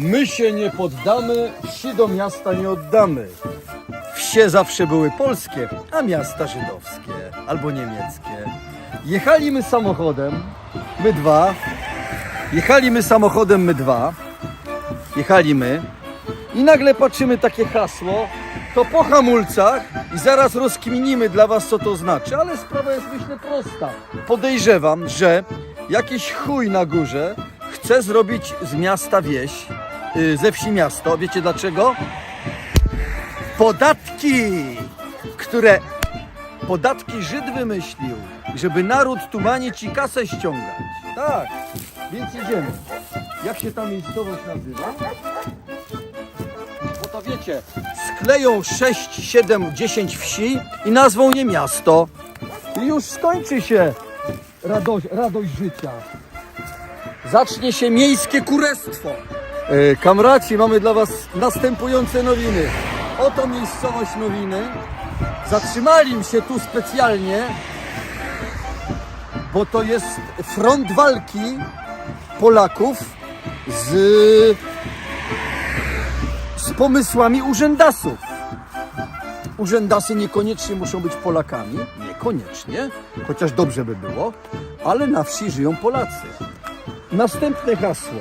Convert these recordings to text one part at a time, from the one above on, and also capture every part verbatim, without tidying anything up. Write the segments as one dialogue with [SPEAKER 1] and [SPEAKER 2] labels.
[SPEAKER 1] My się nie poddamy, wsi do miasta nie oddamy. Wsie zawsze były polskie, a miasta żydowskie albo niemieckie. Jechali my samochodem, my dwa. Jechali my samochodem, my dwa. Jechali my i nagle patrzymy takie hasło, to po hamulcach i zaraz rozkminimy dla was, co to znaczy, ale sprawa jest, myślę, prosta. Podejrzewam, że jakiś chuj na górze chce zrobić z miasta wieś, yy, ze wsi miasto. Wiecie dlaczego? Podatki, które podatki Żyd wymyślił, żeby naród tumanić i kasę ściągać. Tak, więc jedziemy. Jak się ta miejscowość nazywa? Bo to wiecie, skleją sześć, siedem, dziesięć wsi i nazwą je miasto. I już skończy się radość, radość życia. Zacznie się miejskie kurestwo. Yy, kamraci, mamy dla was następujące nowiny. Oto miejscowość Nowiny. Zatrzymali się tu specjalnie, bo to jest front walki Polaków z, z pomysłami urzędasów. Urzędasy niekoniecznie muszą być Polakami, niekoniecznie, chociaż dobrze by było, ale na wsi żyją Polacy. Następne hasło.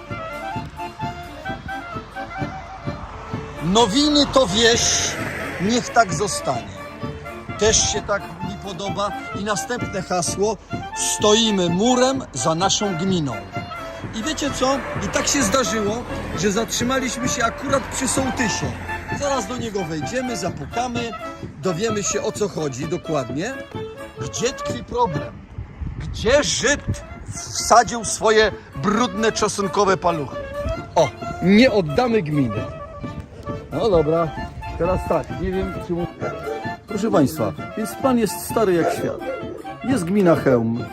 [SPEAKER 1] Nowiny to wieś, niech tak zostanie. Też się tak mi podoba. I następne hasło. Stoimy murem za naszą gminą. I wiecie co? I tak się zdarzyło, że zatrzymaliśmy się akurat przy sołtysie. Zaraz do niego wejdziemy, zapukamy, dowiemy się, o co chodzi dokładnie. Gdzie tkwi problem? Gdzie Żyd wsadził swoje brudne czosnkowe paluchy? O, nie oddamy gminy. No dobra, teraz tak, nie wiem czy... Proszę Państwa, więc plan jest stary jak świat. Jest gmina Chełm.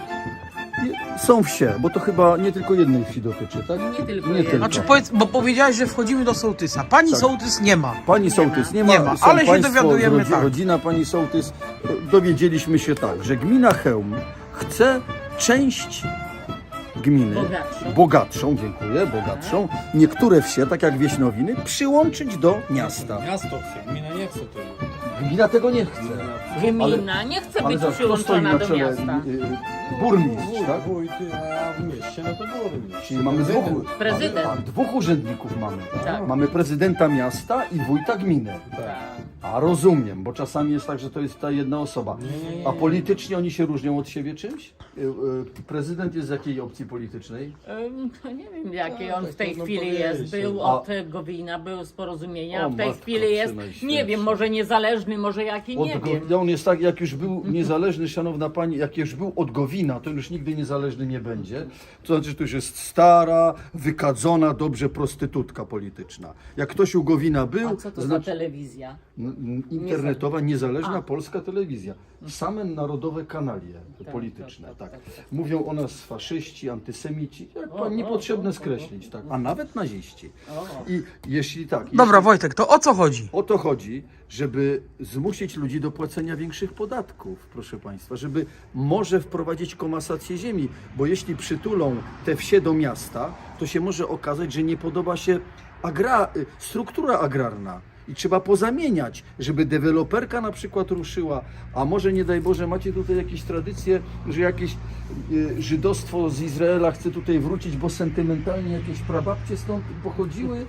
[SPEAKER 1] Są wsie, bo to chyba nie tylko jednej wsi dotyczy, tak?
[SPEAKER 2] Nie tylko
[SPEAKER 1] Nie
[SPEAKER 2] jednej.
[SPEAKER 1] tylko.
[SPEAKER 3] Znaczy powiedz, bo powiedziałeś, że wchodzimy do sołtysa. Pani
[SPEAKER 1] Tak.
[SPEAKER 3] sołtys nie ma.
[SPEAKER 1] Pani sołtys nie ma,
[SPEAKER 3] Nie ma,
[SPEAKER 1] są
[SPEAKER 3] ale się
[SPEAKER 1] państwo,
[SPEAKER 3] dowiadujemy
[SPEAKER 1] rodzi,
[SPEAKER 3] tak.
[SPEAKER 1] rodzina pani sołtys. Dowiedzieliśmy się tak, że gmina Chełm chce część gminy,
[SPEAKER 2] Bogatszą.
[SPEAKER 1] bogatszą, dziękuję, bogatszą, niektóre wsie, tak jak wieś Nowiny, przyłączyć do miasta.
[SPEAKER 4] Miasto chce, gmina nie chce tego.
[SPEAKER 1] Gmina tego nie chce.
[SPEAKER 2] Gmina nie chce
[SPEAKER 1] Ale
[SPEAKER 2] być
[SPEAKER 1] za- kto stoi
[SPEAKER 2] przyłączona
[SPEAKER 1] na
[SPEAKER 2] do
[SPEAKER 1] czele?
[SPEAKER 2] miasta.
[SPEAKER 1] Y, y, Burmistrz, tak?
[SPEAKER 4] Wójt, a w mieście no to burmistrz.
[SPEAKER 1] Czyli mamy dwóch,
[SPEAKER 2] Prezydent.
[SPEAKER 1] a, dwóch urzędników mamy.
[SPEAKER 2] Tak.
[SPEAKER 1] Mamy prezydenta miasta i wójta gminy.
[SPEAKER 2] Tak.
[SPEAKER 1] A rozumiem, bo czasami jest tak, że to jest ta jedna osoba.
[SPEAKER 4] Nie, nie, nie.
[SPEAKER 1] A politycznie oni się różnią od siebie czymś? Y, y, Prezydent jest z jakiej opcji politycznej?
[SPEAKER 2] Ym, to nie wiem, jakiej on
[SPEAKER 4] tak
[SPEAKER 2] w tej
[SPEAKER 4] trudno
[SPEAKER 2] chwili
[SPEAKER 4] powiedzieć.
[SPEAKER 2] jest. Był
[SPEAKER 1] A-
[SPEAKER 2] od Gowina, był z Porozumienia,
[SPEAKER 1] O,
[SPEAKER 2] w tej
[SPEAKER 1] matko
[SPEAKER 2] chwili jest,
[SPEAKER 1] Najświętsza.
[SPEAKER 2] nie wiem, może niezależny, może jaki, nie
[SPEAKER 1] Od
[SPEAKER 2] wiem.
[SPEAKER 1] Go- on jest tak, jak już był niezależny, szanowna pani, jak już był od Gowina, to już nigdy niezależny nie będzie. To znaczy, to już jest stara, wykadzona, dobrze prostytutka polityczna. Jak ktoś u Gowina był,
[SPEAKER 2] A co to za
[SPEAKER 1] znaczy
[SPEAKER 2] telewizja?
[SPEAKER 1] n- n- internetowa, niezależna
[SPEAKER 2] A.
[SPEAKER 1] polska telewizja. Same narodowe kanalie polityczne,
[SPEAKER 2] tak,
[SPEAKER 1] tak,
[SPEAKER 2] tak, tak, tak.
[SPEAKER 1] Mówią o nas faszyści, antysemici, jak
[SPEAKER 2] O,
[SPEAKER 1] pan
[SPEAKER 2] o,
[SPEAKER 1] niepotrzebne
[SPEAKER 2] o, o,
[SPEAKER 1] skreślić, tak, a nawet naziści.
[SPEAKER 2] O.
[SPEAKER 1] I jeśli tak,
[SPEAKER 3] Dobra,
[SPEAKER 1] jeśli,
[SPEAKER 3] Wojtek, to o co chodzi?
[SPEAKER 1] o to chodzi, żeby zmusić ludzi do płacenia większych podatków, proszę Państwa, żeby może wprowadzić komasację ziemi, bo jeśli przytulą te wsie do miasta, to się może okazać, że nie podoba się agra, struktura agrarna i trzeba pozamieniać, żeby deweloperka na przykład ruszyła, a może nie daj Boże macie tutaj jakieś tradycje, że jakieś y, żydostwo z Izraela chce tutaj wrócić, bo sentymentalnie jakieś prababcie stąd pochodziły.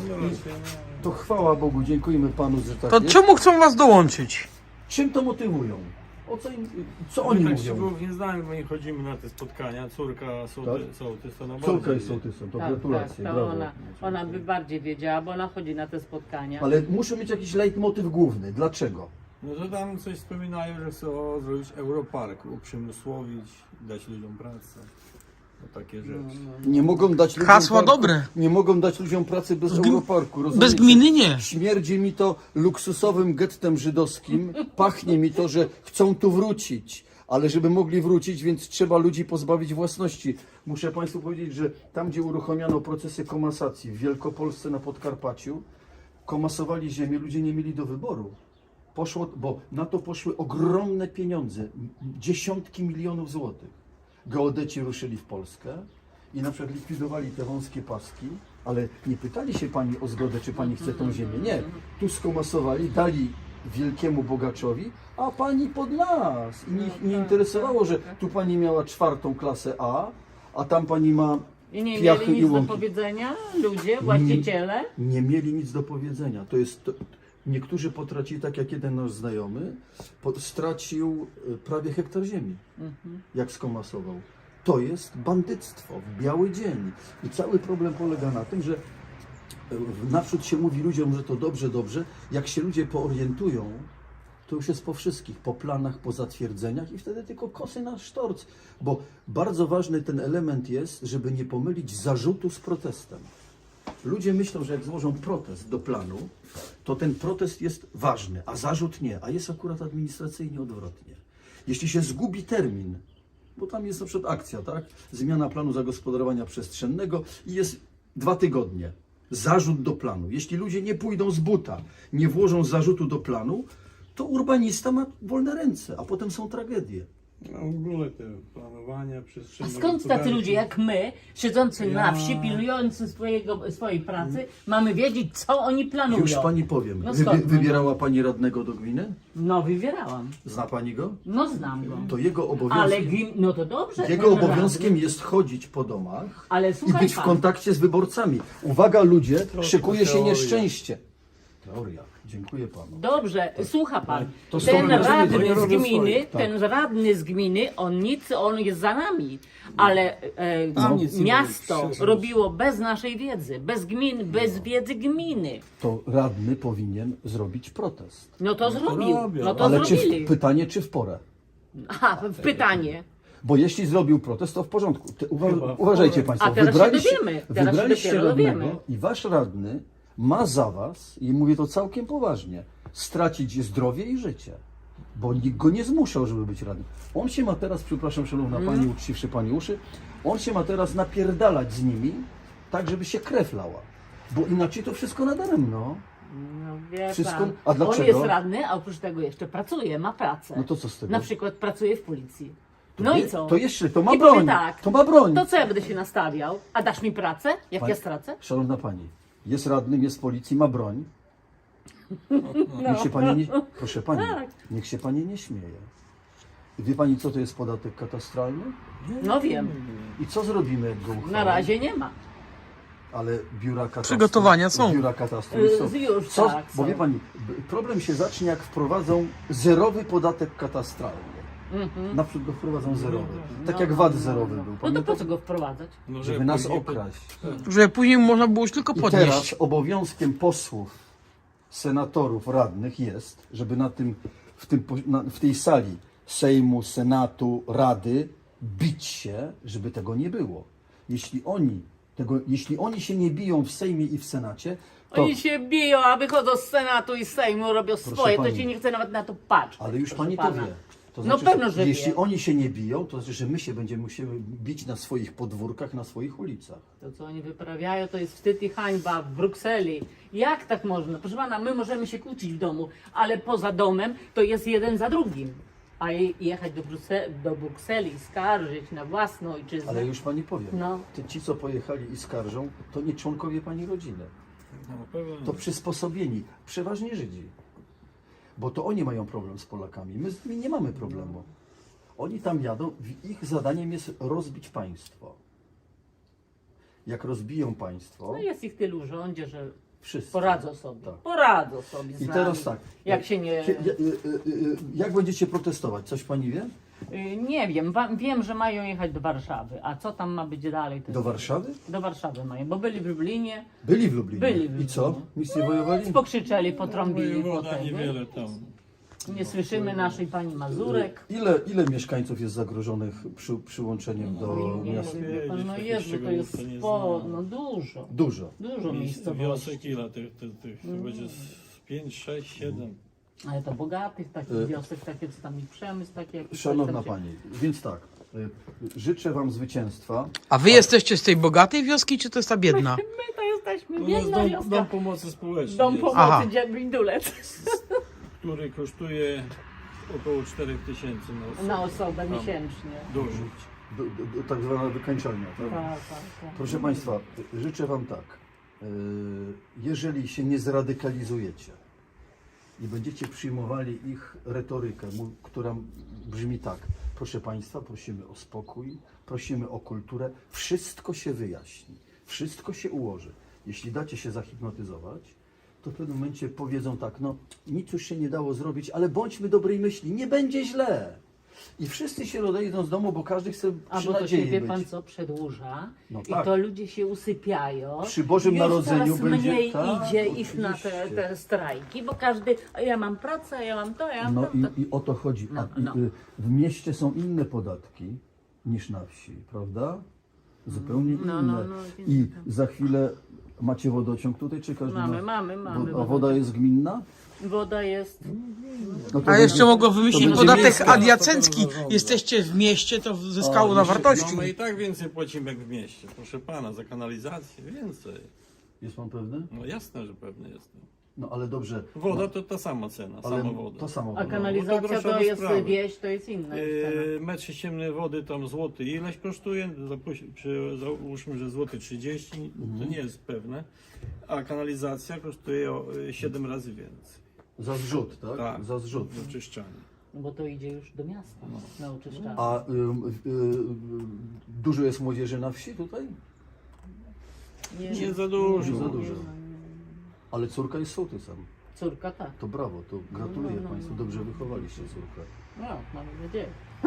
[SPEAKER 1] I to chwała Bogu, dziękujemy Panu, że tak
[SPEAKER 3] To
[SPEAKER 1] jest.
[SPEAKER 3] czemu chcą was dołączyć?
[SPEAKER 1] Czym to motywują? O co im, co oni
[SPEAKER 4] My tak
[SPEAKER 1] mówią?
[SPEAKER 4] szczegółów nie znamy, bo nie chodzimy na te spotkania. Córka sołty,
[SPEAKER 1] Tak?
[SPEAKER 4] sołtys to na
[SPEAKER 1] Córka
[SPEAKER 4] bardziej
[SPEAKER 1] jest
[SPEAKER 4] wie.
[SPEAKER 1] sołtysem, to
[SPEAKER 2] Tak,
[SPEAKER 1] gratulacje,
[SPEAKER 2] tak, to
[SPEAKER 1] brawo.
[SPEAKER 2] ona, ona by bardziej wiedziała, bo ona chodzi na te spotkania.
[SPEAKER 1] Ale muszę mieć jakiś leitmotyw główny. Dlaczego?
[SPEAKER 4] No to tam coś wspominają, że chcą zrobić Europark, uprzemysłowić, dać ludziom pracę. No takie rzeczy.
[SPEAKER 1] Nie mogą dać ludziom
[SPEAKER 3] Hasła
[SPEAKER 1] parku,
[SPEAKER 3] dobre.
[SPEAKER 1] Nie mogą dać ludziom pracy bez
[SPEAKER 3] gm-
[SPEAKER 1] Europarku.
[SPEAKER 3] Bez
[SPEAKER 1] rozumiecie?
[SPEAKER 3] gminy nie.
[SPEAKER 1] Śmierdzi mi to luksusowym gettem żydowskim. Pachnie mi to, że chcą tu wrócić. Ale żeby mogli wrócić, więc trzeba ludzi pozbawić własności. Muszę Państwu powiedzieć, że tam, gdzie uruchomiono procesy komasacji w Wielkopolsce na Podkarpaciu, komasowali ziemię, ludzie nie mieli do wyboru. Poszło, bo na to poszły ogromne pieniądze, m- dziesiątki milionów złotych. Geodeci ruszyli w Polskę i na przykład likwidowali te wąskie paski, Ale nie pytali się pani o zgodę, czy pani chce tą ziemię. Nie. Tu skomasowali, dali wielkiemu bogaczowi, a pani pod nas. I nie, nie interesowało, że tu pani miała czwartą klasę A, a tam pani ma
[SPEAKER 2] I nie
[SPEAKER 1] piachy
[SPEAKER 2] mieli
[SPEAKER 1] i
[SPEAKER 2] nic do
[SPEAKER 1] łąki.
[SPEAKER 2] powiedzenia ludzie, właściciele?
[SPEAKER 1] Nie mieli nic do powiedzenia. To jest, to, niektórzy potracili, tak jak jeden nasz znajomy, po, stracił y, prawie hektar ziemi, jak skomasował. To jest bandyctwo w biały dzień. I cały problem polega na tym, że y, naprzód się mówi ludziom, że to dobrze, dobrze. Jak się ludzie poorientują, to już jest po wszystkich, po planach, po zatwierdzeniach i wtedy tylko kosy na sztorc. Bo bardzo ważny ten element jest, żeby nie pomylić zarzutu z protestem. Ludzie myślą, że jak złożą protest do planu, to ten protest jest ważny, a zarzut nie, a jest akurat administracyjnie odwrotnie. Jeśli się zgubi termin, bo tam jest na przykład akcja, tak? Zmiana planu zagospodarowania przestrzennego i jest dwa tygodnie. Zarzut do planu. Jeśli ludzie nie pójdą z buta, nie włożą zarzutu do planu, to urbanista ma wolne ręce, a potem są tragedie.
[SPEAKER 4] No w ogóle te planowania
[SPEAKER 2] A
[SPEAKER 4] przestrzenne.
[SPEAKER 2] skąd tacy
[SPEAKER 4] gospodarki.
[SPEAKER 2] ludzie jak my, siedzący na
[SPEAKER 4] Ja-
[SPEAKER 2] wsi, pilnujący swojego, swojej pracy, mamy wiedzieć, co oni planują?
[SPEAKER 1] Już pani powiem.
[SPEAKER 2] No
[SPEAKER 1] Wy,
[SPEAKER 2] skąd?
[SPEAKER 1] wybierała pani radnego do gminy?
[SPEAKER 2] No, wybierałam.
[SPEAKER 1] Zna pani go?
[SPEAKER 2] No, znam go.
[SPEAKER 1] To jego obowiązkiem,
[SPEAKER 2] Ale gim... no to dobrze.
[SPEAKER 1] jego
[SPEAKER 2] ten
[SPEAKER 1] obowiązkiem
[SPEAKER 2] radny.
[SPEAKER 1] jest chodzić po domach
[SPEAKER 2] Ale
[SPEAKER 1] i
[SPEAKER 2] słuchaj
[SPEAKER 1] być w
[SPEAKER 2] pan,
[SPEAKER 1] kontakcie z wyborcami. Uwaga ludzie,
[SPEAKER 4] Troszkę
[SPEAKER 1] szykuje się
[SPEAKER 4] teoria.
[SPEAKER 1] nieszczęście. Teoria. Dziękuję panu.
[SPEAKER 2] Dobrze, słucha pan,
[SPEAKER 1] To
[SPEAKER 2] ten
[SPEAKER 1] stąd rozumiecie,
[SPEAKER 2] radny
[SPEAKER 1] nie
[SPEAKER 2] z
[SPEAKER 1] robią
[SPEAKER 2] gminy,
[SPEAKER 1] swoich, tak.
[SPEAKER 2] ten radny z gminy, on nic, on jest za nami, ale e,
[SPEAKER 4] Tam nic nie
[SPEAKER 2] miasto
[SPEAKER 4] robi,
[SPEAKER 2] robiło bez naszej wiedzy, bez gmin, bez wiedzy gminy.
[SPEAKER 1] To radny powinien zrobić protest.
[SPEAKER 2] No to zrobił,
[SPEAKER 4] robią.
[SPEAKER 2] no to
[SPEAKER 1] Ale czy
[SPEAKER 2] zrobili.
[SPEAKER 1] w, pytanie, czy w porę?
[SPEAKER 2] Aha, pytanie.
[SPEAKER 1] Bo jeśli zrobił protest, to w porządku. Te, uwa
[SPEAKER 4] Chyba w
[SPEAKER 1] uważajcie
[SPEAKER 4] porę.
[SPEAKER 1] Państwo,
[SPEAKER 2] A teraz się
[SPEAKER 1] wybraliście,
[SPEAKER 2] dowiemy, teraz się
[SPEAKER 1] wybraliście
[SPEAKER 2] dopiero
[SPEAKER 1] radnego
[SPEAKER 2] dowiemy.
[SPEAKER 1] i wasz radny ma za was, i mówię to całkiem poważnie, stracić zdrowie i życie. Bo nikt go nie zmuszał, żeby być radnym. On się ma teraz, przepraszam szanowna
[SPEAKER 2] Mm.
[SPEAKER 1] pani, uczciwszy pani uszy, on się ma teraz napierdalać z nimi, tak żeby się krew lała. Bo inaczej to wszystko nadaremno.
[SPEAKER 2] No wie
[SPEAKER 1] Wszystko-
[SPEAKER 2] pan,
[SPEAKER 1] a dlaczego?
[SPEAKER 2] on jest radny, a oprócz tego jeszcze pracuje, ma pracę.
[SPEAKER 1] No to co z tego?
[SPEAKER 2] Na przykład pracuje w policji.
[SPEAKER 1] To
[SPEAKER 2] No
[SPEAKER 1] nie-
[SPEAKER 2] i co?
[SPEAKER 1] To jeszcze, to ma
[SPEAKER 2] I powie
[SPEAKER 1] broń.
[SPEAKER 2] tak,
[SPEAKER 1] To ma broń.
[SPEAKER 2] To co ja będę się nastawiał? A dasz mi pracę, jak
[SPEAKER 1] Pani-
[SPEAKER 2] ja stracę?
[SPEAKER 1] Szanowna pani, jest radnym, jest w policji, ma broń.
[SPEAKER 2] No.
[SPEAKER 1] Niech się pani nie, proszę pani,
[SPEAKER 2] Tak.
[SPEAKER 1] niech się pani nie śmieje. Wie pani, co to jest podatek katastralny?
[SPEAKER 2] No wiem,
[SPEAKER 1] I co zrobimy, jak go uchwalimy?
[SPEAKER 2] na razie nie ma.
[SPEAKER 1] Ale biura katastru...
[SPEAKER 3] Przygotowania są.
[SPEAKER 1] Biura katastru
[SPEAKER 2] Y,
[SPEAKER 1] są.
[SPEAKER 2] już
[SPEAKER 1] Co,
[SPEAKER 2] tak,
[SPEAKER 1] bo
[SPEAKER 2] są.
[SPEAKER 1] wie pani, b- problem się zacznie, jak wprowadzą zerowy podatek katastralny.
[SPEAKER 2] Mhm.
[SPEAKER 1] Na przykład go wprowadzą zerowy. Tak
[SPEAKER 2] No,
[SPEAKER 1] jak
[SPEAKER 2] no,
[SPEAKER 1] V A T
[SPEAKER 2] no,
[SPEAKER 1] zerowy
[SPEAKER 2] no.
[SPEAKER 1] był.
[SPEAKER 2] No to
[SPEAKER 1] Pamięta?
[SPEAKER 2] po co go wprowadzać?
[SPEAKER 4] No,
[SPEAKER 1] Żeby nas
[SPEAKER 4] później-
[SPEAKER 1] okraść.
[SPEAKER 3] Że później można było już tylko
[SPEAKER 1] I
[SPEAKER 3] podnieść.
[SPEAKER 1] teraz obowiązkiem posłów, senatorów, radnych jest, żeby na tym, w, tym, po- na, w tej sali Sejmu, Senatu, Rady bić się, żeby tego nie było. Jeśli oni, tego, jeśli oni się nie biją w Sejmie i w Senacie, to...
[SPEAKER 2] Oni się biją, a wychodzą z Senatu i z Sejmu, robią swoje, to
[SPEAKER 1] pani.
[SPEAKER 2] się nie chce nawet na to patrzeć.
[SPEAKER 1] Ale już
[SPEAKER 2] proszę
[SPEAKER 1] pani to
[SPEAKER 2] pana.
[SPEAKER 1] wie. To
[SPEAKER 2] No pewno, że
[SPEAKER 1] jeśli
[SPEAKER 2] wie.
[SPEAKER 1] oni się nie biją, to znaczy, że my się będziemy musieli bić na swoich podwórkach, na swoich ulicach.
[SPEAKER 2] To, co oni wyprawiają, to jest wstyd i hańba w Brukseli. Jak tak można? Proszę pana, my możemy się kłócić w domu, ale poza domem to jest jeden za drugim. A je- jechać do, Bruse- do Brukseli i skarżyć na własną ojczyznę.
[SPEAKER 1] Ale już pani powiem,
[SPEAKER 2] No.
[SPEAKER 1] te ci, co pojechali i skarżą, to nie członkowie pani rodziny.
[SPEAKER 4] No, pewnie.
[SPEAKER 1] To przysposobieni, przeważnie Żydzi. Bo to oni mają problem z Polakami. My z nimi nie mamy problemu. Oni tam jadą, w- ich zadaniem jest rozbić państwo. Jak rozbiją państwo,
[SPEAKER 2] No jest ich tylu w rządzie, że
[SPEAKER 1] wszyscy.
[SPEAKER 2] poradzą sobie.
[SPEAKER 1] Tak.
[SPEAKER 2] Poradzą sobie z
[SPEAKER 1] I
[SPEAKER 2] nami.
[SPEAKER 1] teraz tak.
[SPEAKER 2] Jak się nie...
[SPEAKER 1] Kie- ja- y- y- y- Jak będziecie protestować? Coś pani wie?
[SPEAKER 2] Y, Nie wiem, wa- wiem, że mają jechać do Warszawy. A co tam ma być dalej? To
[SPEAKER 1] Do Warszawy?
[SPEAKER 2] Do Warszawy mają, bo byli w Lublinie,
[SPEAKER 1] Byli w Lublinie.
[SPEAKER 2] Byli w
[SPEAKER 1] I
[SPEAKER 2] Lublinie.
[SPEAKER 1] co? Nic nie wojowali?
[SPEAKER 2] pokrzyczeli, potrąbili po
[SPEAKER 4] Wojewoda
[SPEAKER 2] tego.
[SPEAKER 4] niewiele tam.
[SPEAKER 2] Nie słyszymy naszej pani Mazurek.
[SPEAKER 1] Ile, ile mieszkańców jest zagrożonych przy, przyłączeniem do
[SPEAKER 2] No, nie
[SPEAKER 1] miasta?
[SPEAKER 2] wiem, wie pan, no
[SPEAKER 4] Takich
[SPEAKER 2] Jezu, to
[SPEAKER 4] szczegółów
[SPEAKER 2] jest
[SPEAKER 4] to nie
[SPEAKER 2] spo,
[SPEAKER 4] znam.
[SPEAKER 2] no dużo,
[SPEAKER 1] Dużo.
[SPEAKER 2] dużo miejscowości.
[SPEAKER 4] Wiosek ile tych, tych, tych to będzie z pięć, sześć, siedem.
[SPEAKER 2] Ale to bogatych takich
[SPEAKER 1] Y-
[SPEAKER 2] wiosek, takie co tam ich przemysł, takie jak
[SPEAKER 1] Szanowna
[SPEAKER 2] tam się-
[SPEAKER 1] Pani, więc tak, y, życzę Wam zwycięstwa.
[SPEAKER 3] A wy jesteście z tej bogatej wioski, czy to jest ta biedna?
[SPEAKER 2] My to jesteśmy
[SPEAKER 4] No, to jest
[SPEAKER 2] biedna
[SPEAKER 4] dom,
[SPEAKER 2] wioska.
[SPEAKER 4] dom pomocy społecznej,
[SPEAKER 2] Dom
[SPEAKER 4] jest,
[SPEAKER 2] pomocy
[SPEAKER 3] Aha.
[SPEAKER 2] Bindulec
[SPEAKER 4] który kosztuje około cztery tysięcy na osobę.
[SPEAKER 2] na osobę
[SPEAKER 4] Tam
[SPEAKER 2] miesięcznie.
[SPEAKER 4] Dożyć.
[SPEAKER 1] Do, do, do, tak zwana wykańczalnia. Tak?
[SPEAKER 2] Tak, tak, tak.
[SPEAKER 1] Proszę Państwa, życzę Wam tak. jeżeli się nie zradykalizujecie i będziecie przyjmowali ich retorykę, mu- która brzmi tak: proszę Państwa, prosimy o spokój, prosimy o kulturę, wszystko się wyjaśni, wszystko się ułoży. Jeśli dacie się zahipnotyzować, to w pewnym momencie powiedzą tak: no nic już się nie dało zrobić, ale bądźmy dobrej myśli, nie będzie źle. I wszyscy się rozejdą z domu, bo każdy chce
[SPEAKER 2] A
[SPEAKER 1] przy
[SPEAKER 2] bo to się,
[SPEAKER 1] nadziei
[SPEAKER 2] wie
[SPEAKER 1] być.
[SPEAKER 2] pan co, przedłuża
[SPEAKER 1] No
[SPEAKER 2] i
[SPEAKER 1] tak.
[SPEAKER 2] to ludzie się usypiają.
[SPEAKER 1] Przy Bożym
[SPEAKER 2] Już
[SPEAKER 1] Narodzeniu
[SPEAKER 2] coraz
[SPEAKER 1] będzie-
[SPEAKER 2] mniej
[SPEAKER 1] tak,
[SPEAKER 2] idzie ich na te,
[SPEAKER 1] oczywiście.
[SPEAKER 2] te strajki, bo każdy, a ja mam pracę, a ja mam to, ja mam
[SPEAKER 1] No
[SPEAKER 2] to. to.
[SPEAKER 1] i, i o to chodzi.
[SPEAKER 2] No,
[SPEAKER 1] A, i,
[SPEAKER 2] no.
[SPEAKER 1] y, w mieście są inne podatki niż na wsi, prawda? Zupełnie
[SPEAKER 2] No,
[SPEAKER 1] inne.
[SPEAKER 2] no, no, więc
[SPEAKER 1] I
[SPEAKER 2] tak.
[SPEAKER 1] za chwilę macie wodociąg tutaj, czy każdy
[SPEAKER 2] Mamy,
[SPEAKER 1] ma?
[SPEAKER 2] mamy, mamy
[SPEAKER 1] Wo- A woda jest gminna?
[SPEAKER 2] Woda jest.
[SPEAKER 1] No to
[SPEAKER 3] A jeszcze
[SPEAKER 1] będzie-
[SPEAKER 3] mogło wymyślić
[SPEAKER 1] będzie
[SPEAKER 3] podatek
[SPEAKER 1] miejska.
[SPEAKER 3] adiacencki.
[SPEAKER 4] To zarządza.
[SPEAKER 3] Jesteście w mieście, to zyskało
[SPEAKER 1] A,
[SPEAKER 3] na
[SPEAKER 1] jeszcze-
[SPEAKER 3] wartości.
[SPEAKER 4] No my i tak więcej płacimy jak w mieście, proszę pana, za kanalizację więcej.
[SPEAKER 1] Jest pan pewny?
[SPEAKER 4] No jasne, że pewny jestem.
[SPEAKER 1] No ale dobrze.
[SPEAKER 4] Woda to ta sama cena,
[SPEAKER 1] Ale
[SPEAKER 4] sama woda.
[SPEAKER 1] to samo.
[SPEAKER 2] A
[SPEAKER 1] woda.
[SPEAKER 2] kanalizacja
[SPEAKER 4] No to
[SPEAKER 2] to
[SPEAKER 4] groszowe
[SPEAKER 2] jest
[SPEAKER 4] sprawy.
[SPEAKER 2] wieś, to jest inna już cena.
[SPEAKER 4] Yy, metr sześcienny wody tam złoty ileś kosztuje, Zapuś- przy, załóżmy, że złoty trzydzieści, to nie jest pewne, a kanalizacja kosztuje o y, siedem razy więcej.
[SPEAKER 1] Za zrzut, tak?
[SPEAKER 4] Tak,
[SPEAKER 1] Za zrzut.
[SPEAKER 4] do czyszczania.
[SPEAKER 2] No bo to idzie już do miasta na oczyszczanie.
[SPEAKER 1] A y, y, y, dużo jest młodzieży na wsi tutaj?
[SPEAKER 4] Nie za dużo.
[SPEAKER 1] Nie za dużo. Ale córka jest sołtysem.
[SPEAKER 2] Córka tak.
[SPEAKER 1] To brawo, to gratuluję
[SPEAKER 2] No, no, no.
[SPEAKER 1] Państwu. Dobrze wychowaliście córkę.
[SPEAKER 2] No, mamy nadzieję.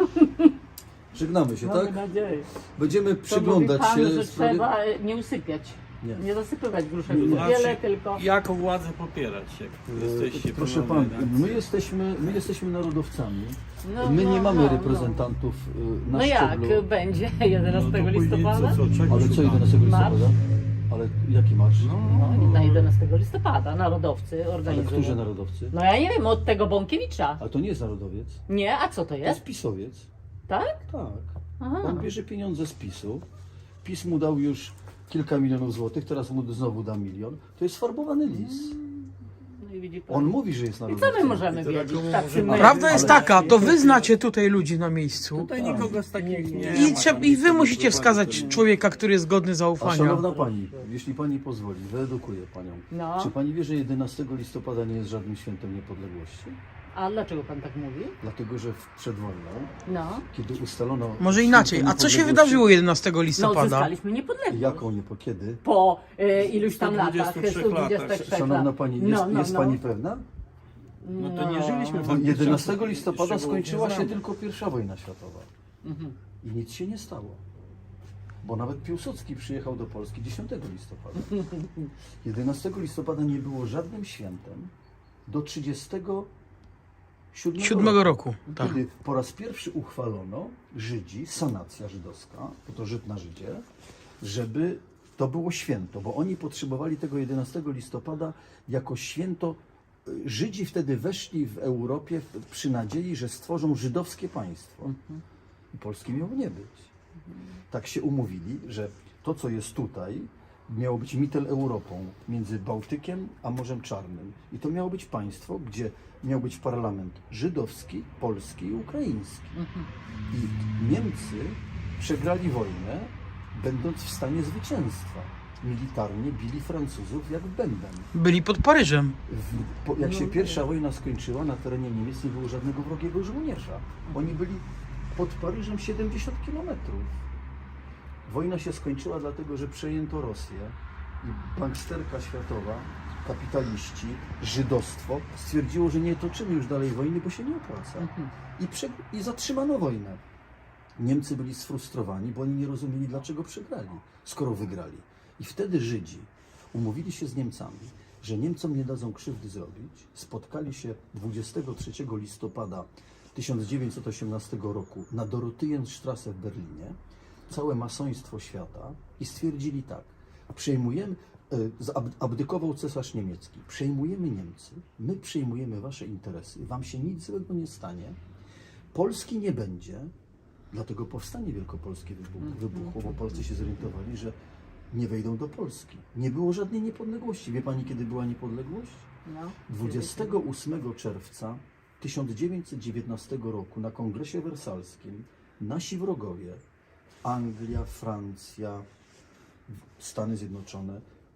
[SPEAKER 1] Żegnamy się,
[SPEAKER 2] Mamy
[SPEAKER 1] tak?
[SPEAKER 2] nadzieję.
[SPEAKER 1] Będziemy
[SPEAKER 2] To
[SPEAKER 1] przyglądać
[SPEAKER 2] mówi pan,
[SPEAKER 1] się
[SPEAKER 2] że
[SPEAKER 1] sprawie-
[SPEAKER 2] trzeba e, nie usypiać.
[SPEAKER 1] Nie.
[SPEAKER 2] Nie zasypywać gruszek.
[SPEAKER 1] Nie, nie.
[SPEAKER 2] Wiele
[SPEAKER 4] Znaczy,
[SPEAKER 2] tylko.
[SPEAKER 4] Jako władzę popierać, jak jesteście
[SPEAKER 1] E, Proszę
[SPEAKER 4] pełnoletni.
[SPEAKER 1] Pan, my jesteśmy, my jesteśmy narodowcami.
[SPEAKER 2] No,
[SPEAKER 1] My
[SPEAKER 2] no,
[SPEAKER 1] nie mamy
[SPEAKER 2] no,
[SPEAKER 1] reprezentantów y, na
[SPEAKER 2] No jak
[SPEAKER 1] szczeblu.
[SPEAKER 2] będzie
[SPEAKER 4] No
[SPEAKER 2] jedenastego
[SPEAKER 4] to później
[SPEAKER 2] listopada?
[SPEAKER 4] Co, co, czego
[SPEAKER 1] Ale co
[SPEAKER 4] szukamy?
[SPEAKER 1] jedenastego
[SPEAKER 2] Marsz?
[SPEAKER 1] listopada? Ale jaki marsz?
[SPEAKER 2] No, na jedenastego listopada narodowcy
[SPEAKER 1] Ale
[SPEAKER 2] organizują.
[SPEAKER 1] którzy narodowcy?
[SPEAKER 2] No ja nie wiem, od tego Bąkiewicza.
[SPEAKER 1] Ale to nie jest narodowiec.
[SPEAKER 2] Nie, a co to
[SPEAKER 1] To jest
[SPEAKER 2] jest?
[SPEAKER 1] pisowiec.
[SPEAKER 2] Tak?
[SPEAKER 1] Tak.
[SPEAKER 2] Aha.
[SPEAKER 1] On bierze pieniądze z PiSu. PiS mu dał już kilka milionów złotych, teraz mu znowu da milion. To jest farbowany lis.
[SPEAKER 2] No i widzi pan.
[SPEAKER 1] On mówi, że jest
[SPEAKER 2] I co
[SPEAKER 1] narodowcem.
[SPEAKER 2] my możemy
[SPEAKER 4] I to
[SPEAKER 2] wiedzieć?
[SPEAKER 4] taką
[SPEAKER 2] Tacy
[SPEAKER 4] możemy-
[SPEAKER 2] my-
[SPEAKER 3] Prawda jest
[SPEAKER 1] Ale-
[SPEAKER 3] taka, to wy znacie tutaj ludzi na miejscu.
[SPEAKER 4] Tutaj nikogo z takich nie
[SPEAKER 3] I,
[SPEAKER 4] ma.
[SPEAKER 3] trzeba,
[SPEAKER 4] tam
[SPEAKER 3] I
[SPEAKER 4] nic
[SPEAKER 3] wy
[SPEAKER 4] nie
[SPEAKER 3] musicie
[SPEAKER 4] prowadzi,
[SPEAKER 3] wskazać
[SPEAKER 4] to-
[SPEAKER 3] człowieka, który jest godny
[SPEAKER 1] A
[SPEAKER 3] zaufania.
[SPEAKER 1] szanowna Pani, jeśli Pani pozwoli, wyedukuję Panią.
[SPEAKER 2] No.
[SPEAKER 1] Czy Pani wie, że jedenastego listopada nie jest żadnym świętem niepodległości?
[SPEAKER 2] A dlaczego pan tak mówi?
[SPEAKER 1] Dlatego, że w- przed wojną,
[SPEAKER 2] No.
[SPEAKER 1] kiedy ustalono...
[SPEAKER 3] Może
[SPEAKER 1] święto
[SPEAKER 3] inaczej. A co się
[SPEAKER 1] niepodległości-
[SPEAKER 3] wydarzyło jedenastego
[SPEAKER 2] No
[SPEAKER 3] listopada?
[SPEAKER 2] uzyskaliśmy niepodległość.
[SPEAKER 1] Jaką, nie po kiedy?
[SPEAKER 2] Po e, iluś tam
[SPEAKER 4] sto
[SPEAKER 2] latach,
[SPEAKER 4] dwudziestu trzech
[SPEAKER 2] sto dwudziestu
[SPEAKER 4] latach.
[SPEAKER 2] trzech
[SPEAKER 1] Szanowna
[SPEAKER 2] lat.
[SPEAKER 1] Pani, jest,
[SPEAKER 2] No, no,
[SPEAKER 1] jest
[SPEAKER 2] no.
[SPEAKER 1] Pani pewna?
[SPEAKER 4] No to nie żyliśmy w
[SPEAKER 1] Bo
[SPEAKER 4] takim
[SPEAKER 1] jedenastego
[SPEAKER 4] czasie,
[SPEAKER 1] listopada
[SPEAKER 4] szczegółów nie
[SPEAKER 1] skończyła się
[SPEAKER 4] znamy.
[SPEAKER 1] tylko pierwsza wojna światowa.
[SPEAKER 2] Mhm.
[SPEAKER 1] I nic się nie stało. Bo nawet Piłsudski przyjechał do Polski dziesiątego listopada. jedenastego listopada nie było żadnym świętem do trzydziestego siódmego
[SPEAKER 3] Siódmego roku. Tak.
[SPEAKER 1] Kiedy po raz pierwszy uchwalono Żydzi, sanacja żydowska, bo to Żyd na Żydzie, żeby to było święto, bo oni potrzebowali tego jedenastego listopada jako święto. Żydzi wtedy weszli w Europie przy nadziei, że stworzą żydowskie państwo. I Polski miało nie być. Tak się umówili, że to, co jest tutaj, miało być Mitteleuropą, między Bałtykiem a Morzem Czarnym. I to miało być państwo, gdzie miał być parlament żydowski, polski i ukraiński. I Niemcy przegrali wojnę, będąc w stanie zwycięstwa. Militarnie bili Francuzów jak bęben.
[SPEAKER 3] Byli pod Paryżem.
[SPEAKER 1] W, po, jak się pierwsza wojna skończyła, na terenie Niemiec nie było żadnego wrogiego żołnierza. Oni byli pod Paryżem siedemdziesiąt kilometrów. Wojna się skończyła dlatego, że przejęto Rosję i banksterka światowa, kapitaliści, żydostwo stwierdziło, że nie toczymy już dalej wojny, bo się nie opłaca. I, prze, i zatrzymano wojnę. Niemcy byli sfrustrowani, bo oni nie rozumieli, dlaczego przegrali, skoro wygrali. I wtedy Żydzi umówili się z Niemcami, że Niemcom nie dadzą krzywdy zrobić. Spotkali się dwudziestego trzeciego listopada tysiąc dziewięćset osiemnastego roku na Dorotheenstrasse w Berlinie, całe masoństwo świata, i stwierdzili tak: przejmujemy, e, zab- abdykował cesarz niemiecki, przejmujemy Niemcy, my przejmujemy wasze interesy, wam się nic złego nie stanie, Polski nie będzie, dlatego powstanie wielkopolskie wybuch- wybuchło, bo Polscy się zorientowali, że nie wejdą do Polski. Nie było żadnej niepodległości. Wie pani, kiedy była niepodległość?
[SPEAKER 2] No.
[SPEAKER 1] dwudziestego ósmego czerwca tysiąc dziewięćset dziewiętnastego roku na Kongresie Wersalskim nasi wrogowie, Anglia, Francja, Stany Zjednoczone,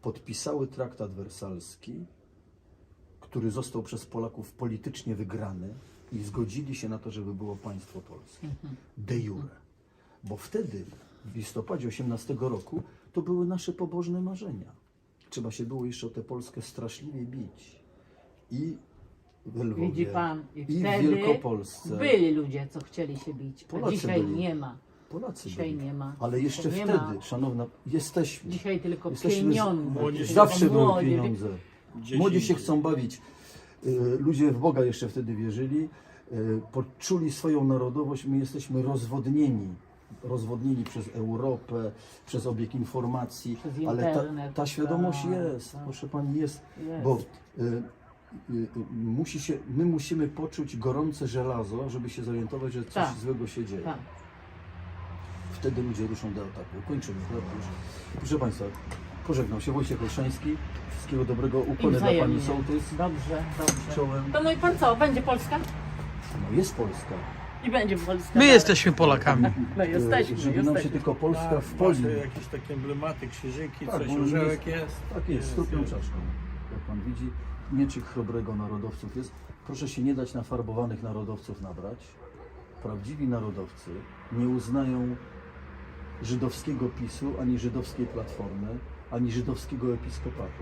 [SPEAKER 1] podpisały traktat wersalski, który został przez Polaków politycznie wygrany i zgodzili się na to, żeby było państwo polskie. De jure. Bo wtedy, w listopadzie osiemnastego roku, to były nasze pobożne marzenia. Trzeba się było jeszcze o tę Polskę straszliwie bić. I w Lwowie,
[SPEAKER 2] Widzi pan, i
[SPEAKER 1] i w
[SPEAKER 2] wtedy
[SPEAKER 1] Wielkopolsce.
[SPEAKER 2] byli ludzie, co chcieli się bić, a
[SPEAKER 1] Polacy
[SPEAKER 2] dzisiaj
[SPEAKER 1] byli.
[SPEAKER 2] nie ma.
[SPEAKER 1] Polacy
[SPEAKER 2] Dzisiaj
[SPEAKER 1] byli.
[SPEAKER 2] nie ma.
[SPEAKER 1] Ale jeszcze
[SPEAKER 2] Nie
[SPEAKER 1] wtedy,
[SPEAKER 2] ma.
[SPEAKER 1] szanowna, jesteśmy.
[SPEAKER 2] Dzisiaj tylko
[SPEAKER 1] Jesteśmy z-
[SPEAKER 2] pieniądze.
[SPEAKER 4] Młodzież-
[SPEAKER 1] Zawsze
[SPEAKER 2] Tylko
[SPEAKER 1] były
[SPEAKER 2] młodzież.
[SPEAKER 1] pieniądze.
[SPEAKER 4] Gdzieś
[SPEAKER 1] Młodzi się
[SPEAKER 4] indziej.
[SPEAKER 1] chcą bawić. Y, Ludzie w Boga jeszcze wtedy wierzyli. y, Poczuli swoją narodowość. My jesteśmy rozwodnieni. Rozwodnieni przez Europę, przez obieg informacji.
[SPEAKER 2] Przez
[SPEAKER 1] Ale ta,
[SPEAKER 2] internet,
[SPEAKER 1] ta świadomość
[SPEAKER 2] tak,
[SPEAKER 1] jest,
[SPEAKER 2] tak.
[SPEAKER 1] proszę pani, jest.
[SPEAKER 2] Jest.
[SPEAKER 1] Bo y, y, y, musi się, my musimy poczuć gorące żelazo, żeby się zorientować, że coś
[SPEAKER 2] Tak.
[SPEAKER 1] złego się dzieje.
[SPEAKER 2] Tak.
[SPEAKER 1] Wtedy ludzie ruszą do ataku. Kończymy. prawda już. Proszę Państwa, pożegnał się Wojciech Olszański. Wszystkiego dobrego.
[SPEAKER 2] I
[SPEAKER 1] Ukłony dla Pani
[SPEAKER 2] wzajemnie.
[SPEAKER 1] sołtys.
[SPEAKER 2] Dobrze, dobrze.
[SPEAKER 1] Czołem.
[SPEAKER 2] To no i pan co, będzie Polska?
[SPEAKER 1] No jest Polska.
[SPEAKER 2] I będzie Polska.
[SPEAKER 3] My jesteśmy Polakami.
[SPEAKER 2] No jesteśmy,
[SPEAKER 1] E, Żeby nam się
[SPEAKER 2] jesteśmy.
[SPEAKER 1] tylko Polska
[SPEAKER 4] Tak,
[SPEAKER 1] w poli.
[SPEAKER 4] macie jakieś takie emblematy, krzyżyki,
[SPEAKER 1] Tak,
[SPEAKER 4] coś,
[SPEAKER 1] bo
[SPEAKER 4] orzełek
[SPEAKER 1] jest-
[SPEAKER 4] jest.
[SPEAKER 1] Tak jest, z trupią czaszką. Jak Pan widzi, mieczyk chrobrego narodowców jest. Proszę się nie dać na farbowanych narodowców nabrać. Prawdziwi narodowcy nie uznają żydowskiego PiSu, ani żydowskiej Platformy, ani żydowskiego episkopatu.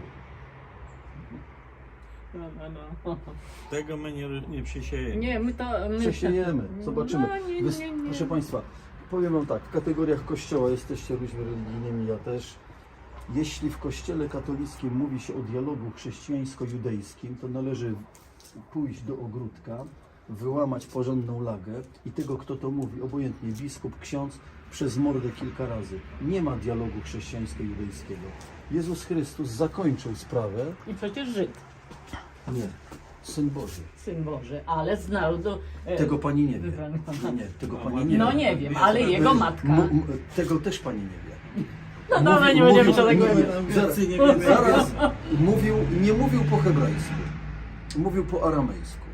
[SPEAKER 2] No, no, no.
[SPEAKER 4] Tego my nie, nie przysiejemy.
[SPEAKER 2] Nie, my to... My
[SPEAKER 1] Przesiejemy, zobaczymy.
[SPEAKER 2] No, nie,
[SPEAKER 1] Wys-
[SPEAKER 2] nie, nie.
[SPEAKER 1] Proszę Państwa, powiem Wam tak, w kategoriach Kościoła jesteście ludźmi religijnymi, ja też. Jeśli w Kościele katolickim mówi się o dialogu chrześcijańsko-judejskim, to należy pójść do ogródka, wyłamać porządną lagę i tego, kto to mówi, obojętnie biskup, ksiądz, przez mordę kilka razy. Nie ma dialogu chrześcijańsko-judejskiego. Jezus Chrystus zakończył sprawę.
[SPEAKER 2] I przecież Żyd,
[SPEAKER 1] Nie, Syn Boży.
[SPEAKER 2] Syn Boży, ale z narodu... e,
[SPEAKER 1] Tego Pani nie wie.
[SPEAKER 2] wybranego.
[SPEAKER 1] Nie, nie, tego Pani nie
[SPEAKER 2] No
[SPEAKER 1] wie.
[SPEAKER 2] nie wiem, ale jego matka.
[SPEAKER 1] M- m- tego też Pani nie wie.
[SPEAKER 2] No dobra, nie będziemy się tego
[SPEAKER 1] mówił,
[SPEAKER 2] mówić.
[SPEAKER 1] zaraz,
[SPEAKER 4] nie wiemy.
[SPEAKER 1] zaraz mówił, nie mówił po hebrajsku, mówił po aramejsku.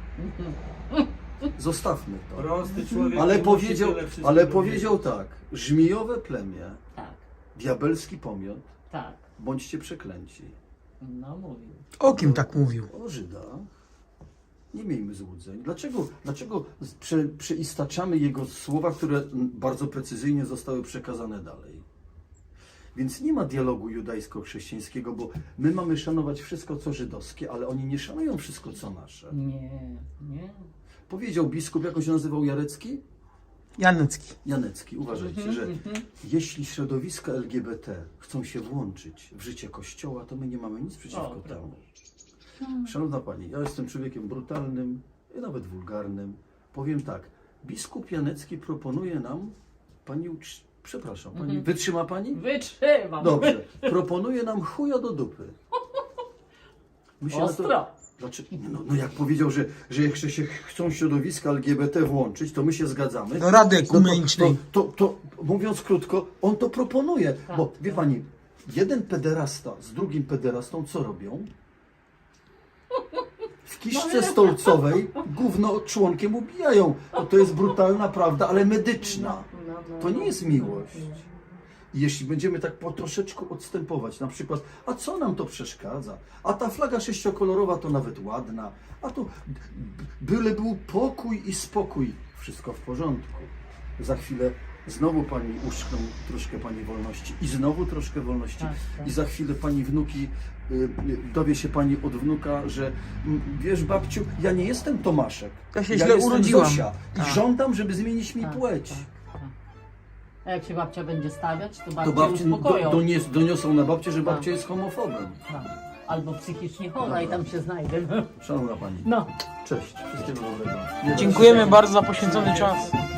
[SPEAKER 1] Zostawmy to.
[SPEAKER 4] Prosty człowiek.
[SPEAKER 1] Ale
[SPEAKER 4] nie
[SPEAKER 1] powiedział,
[SPEAKER 4] musi tyle wszystkiego
[SPEAKER 1] ale
[SPEAKER 4] wiedzieć.
[SPEAKER 1] powiedział tak, żmijowe plemię,
[SPEAKER 2] Tak,
[SPEAKER 1] diabelski pomiot,
[SPEAKER 2] tak.
[SPEAKER 1] bądźcie przeklęci.
[SPEAKER 2] No mówił.
[SPEAKER 3] O kim tak mówił?
[SPEAKER 1] O Żydach nie miejmy złudzeń. Dlaczego, dlaczego prze, przeistaczamy jego słowa, które mm, bardzo precyzyjnie zostały przekazane dalej? Więc nie ma dialogu judajsko-chrześcijańskiego, bo my mamy szanować wszystko, co żydowskie, ale oni nie szanują wszystko, co nasze.
[SPEAKER 2] Nie, nie.
[SPEAKER 1] Powiedział biskup, jak on się nazywał, Jarecki?
[SPEAKER 3] Janecki.
[SPEAKER 1] Janecki, uważajcie, że jeśli środowiska L G B T chcą się włączyć w życie Kościoła, to my nie mamy nic przeciwko
[SPEAKER 2] O,
[SPEAKER 1] temu. Szanowna Pani, ja jestem człowiekiem brutalnym i nawet wulgarnym. Powiem tak, biskup Janecki proponuje nam, Pani, ucz- przepraszam, Pani, wytrzyma Pani?
[SPEAKER 2] Wytrzymam.
[SPEAKER 1] Dobrze, proponuje nam chuja do dupy. My się na
[SPEAKER 2] Ostro.
[SPEAKER 1] Dlaczego? No, no jak powiedział, że, że jak się chcą środowiska L G B T włączyć, to my się zgadzamy.
[SPEAKER 3] Do Rady
[SPEAKER 1] No to-
[SPEAKER 3] Ekumenicznej.
[SPEAKER 1] To, to, to, mówiąc krótko, on to proponuje.
[SPEAKER 2] Tak,
[SPEAKER 1] Bo wie
[SPEAKER 2] tak.
[SPEAKER 1] Pani, jeden pederasta z drugim pederastą co robią? W kiszce stolcowej gówno członkiem ubijają. No, to jest brutalna prawda, ale medyczna.
[SPEAKER 2] No, no,
[SPEAKER 1] To nie
[SPEAKER 2] no.
[SPEAKER 1] jest miłość. I jeśli będziemy tak po troszeczku odstępować, na przykład, a co nam to przeszkadza? A ta flaga sześciokolorowa to nawet ładna, a tu byle był pokój i spokój, wszystko w porządku. Za chwilę znowu Pani uszczkną troszkę Pani wolności i znowu troszkę wolności.
[SPEAKER 2] Tak, tak.
[SPEAKER 1] I za chwilę Pani wnuki, y, y, dowie się Pani od wnuka, że mm, wiesz babciu, ja nie jestem Tomaszek,
[SPEAKER 3] Ja się
[SPEAKER 1] ja
[SPEAKER 3] źle
[SPEAKER 1] jestem
[SPEAKER 3] urodziłam.
[SPEAKER 1] Zosia i
[SPEAKER 3] Tak.
[SPEAKER 1] żądam, żeby zmienić mi
[SPEAKER 2] Tak,
[SPEAKER 1] płeć.
[SPEAKER 2] tak, tak. A jak się babcia będzie stawiać, to babcie
[SPEAKER 1] To babci do,
[SPEAKER 2] uspokoją.
[SPEAKER 1] donies, doniosą na babcię, że
[SPEAKER 2] Tak.
[SPEAKER 1] babcia jest homofobem.
[SPEAKER 2] Tak. Albo psychicznie chora i
[SPEAKER 1] Dobra.
[SPEAKER 2] tam się znajdę.
[SPEAKER 1] Szanowna Pani,
[SPEAKER 2] No.
[SPEAKER 1] cześć, wszystkiego dobrego. Nie da się.
[SPEAKER 3] Dziękujemy bardzo za poświęcony czas.